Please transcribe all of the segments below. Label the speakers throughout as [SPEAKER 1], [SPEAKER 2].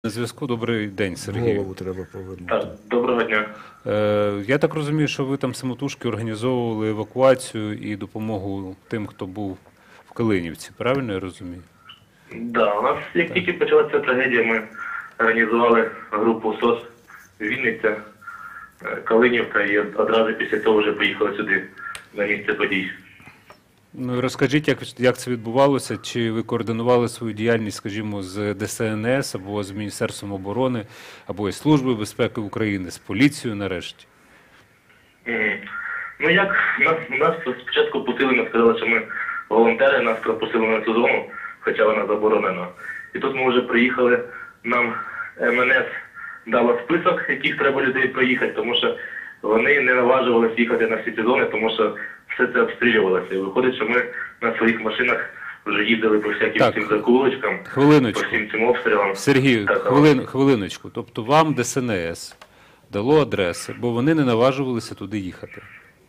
[SPEAKER 1] На зв'язку. Добрий день, Сергій.
[SPEAKER 2] Голову треба повернути.
[SPEAKER 3] Так, доброго дня.
[SPEAKER 1] Я так розумію, що ви там самотужки організовували евакуацію і допомогу тим, хто був в Калинівці. Правильно я розумію?
[SPEAKER 3] Да, у нас, як тільки почалася трагедія, ми організували групу СОС Вінниця, Калинівка і одразу після того вже поїхали сюди, на місце подій.
[SPEAKER 1] Ну і розкажіть, як це відбувалося? Чи ви координували свою діяльність, скажімо, з ДСНС або з Міністерством оборони, або із Службою безпеки України, з поліцією нарешті?
[SPEAKER 3] Ну як, нас спочатку пустили, нам сказали, що ми волонтери, нас пропустили на цю зону, хоча вона заборонена. І тут ми вже приїхали, нам МНС дала список, яких треба людей проїхати, тому що вони не наважувалися їхати на всі ці зони, тому що все це обстрілювалося. І виходить, що ми на своїх машинах вже їздили по всяким цим закулочкам, по всім цим обстрілам.
[SPEAKER 1] Сергій, хвилиночку. Тобто вам ДСНС дало адреси, бо вони не наважувалися туди їхати?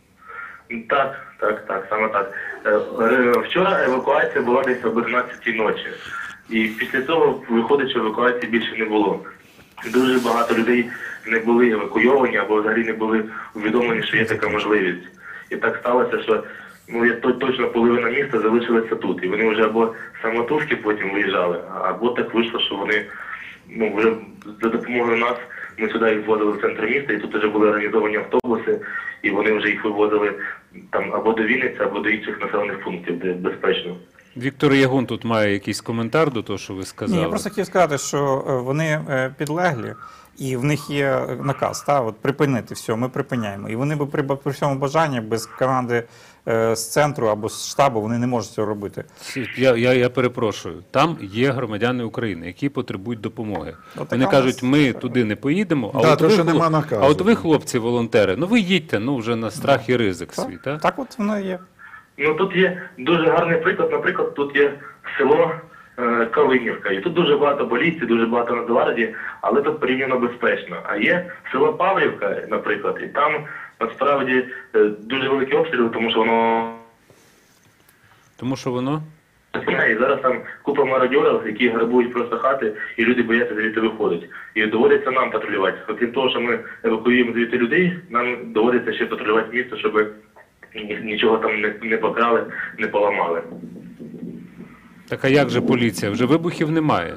[SPEAKER 3] Так, саме так. Вчора евакуація була десь об 11-й ночі. І після цього виходить, що евакуації більше не було. Дуже багато людей не були евакуйовані або взагалі не були увідомлені, що є така можливість. І так сталося, що точно половина міста залишилася тут. І вони вже або самотужки потім виїжджали, або так вийшло, що вони вже за допомогою нас, ми сюди їх ввозили в центр міста, і тут вже були організовані автобуси, і вони вже їх вивозили там або до Вінниці, або до інших населених пунктів, де безпечно.
[SPEAKER 1] Віктор Ягун тут має якийсь коментар до того, що ви сказали?
[SPEAKER 4] Ні, я просто хотів сказати, що вони підлеглі, і в них є наказ, от припинити все, ми припиняємо. І вони при всьому бажанні, без команди з центру або з штабу, вони не можуть цього робити.
[SPEAKER 1] Я перепрошую, там є громадяни України, які потребують допомоги. Вони кажуть, ми туди не поїдемо, а от ви, хлопці-волонтери, ви їдьте, вже на страх і ризик свій, так?
[SPEAKER 4] Так от воно і є.
[SPEAKER 3] Тут є дуже гарний приклад. Наприклад, тут є село Калинівка. І тут дуже багато поліції, дуже багато Нацгвардії, але тут порівняно безпечно. А є село Павлівка, наприклад, і там насправді дуже великі обстріли, тому що воно...
[SPEAKER 1] Тому що воно?
[SPEAKER 3] І зараз там купа мародьорів, які грабують просто хати, і люди бояться звідти виходити. І доводиться нам патрулювати. Окрім того, що ми евакуюємо звідти людей, нам доводиться ще патрулювати місто, щоб нічого там не покрали, не поламали. Так
[SPEAKER 1] а як же поліція? Вже вибухів немає?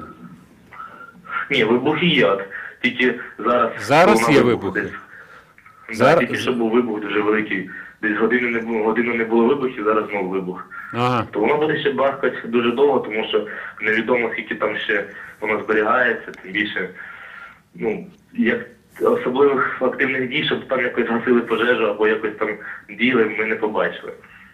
[SPEAKER 3] Ні, вибухи є. Тільки зараз...
[SPEAKER 1] Зараз є вибухи?
[SPEAKER 3] Тільки що був вибух дуже великий. Десь годину не було вибухів, зараз знову вибух. То воно буде ще бахкати дуже довго, тому що невідомо, скільки там ще воно зберігається, тим більше, як особливих активних дій, щоб там якось гасили пожежу або якось там діяли, ми не побачили.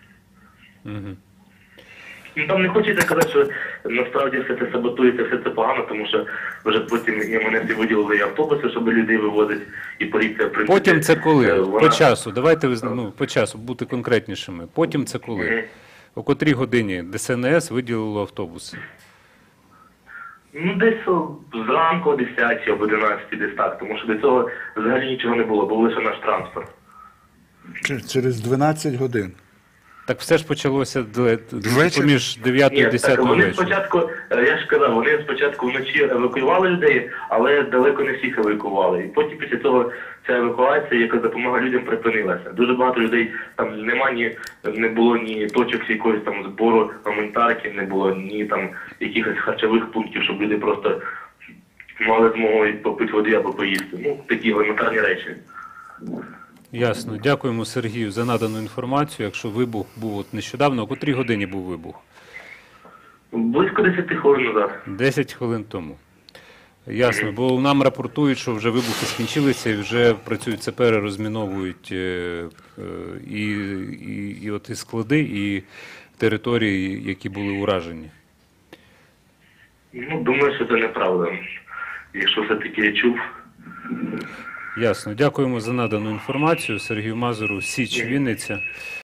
[SPEAKER 3] Там не хочеться казати, що насправді все це саботується, все це погано, тому що вже потім МНС виділили і автобуси, щоб людей вивозити, і поліція, в принципі...
[SPEAKER 1] Потім це коли? По часу. Давайте по часу бути конкретнішими. Потім це коли? О котрій годині ДСНС виділило автобуси?
[SPEAKER 3] Десь зранку о 10 або 11, десь так, тому що до цього взагалі нічого не було, був лише наш транспорт.
[SPEAKER 2] Через 12 годин.
[SPEAKER 1] Так все ж почалося поміж 9 і 10 вечора.
[SPEAKER 3] Вони спочатку, я ж казав, вони спочатку вночі евакуювали людей, але далеко не всіх евакуювали. І потім після цього ця евакуація, яка допомога людям, припинилася. Дуже багато людей, там не було ні точок якогось там збору гуманітарки, не було ні там якихось харчових пунктів, щоб люди просто мали змогу попити води або поїсти. Такі елементарні речі.
[SPEAKER 1] Ясно. Дякуємо Сергію за надану інформацію. Якщо вибух був нещодавно, о котрій годині був вибух?
[SPEAKER 3] Близько 10 хвилин назад.
[SPEAKER 1] 10 хвилин тому. Ясно, бо нам рапортують, що вже вибухи скінчилися і вже працюють сапери, розміновують і склади, і території, які були уражені.
[SPEAKER 3] Думаю, що це неправда. Якщо все-таки я чув...
[SPEAKER 1] Ясно. Дякуємо за надану інформацію. Сергію Мазуру, Січ, Вінниця.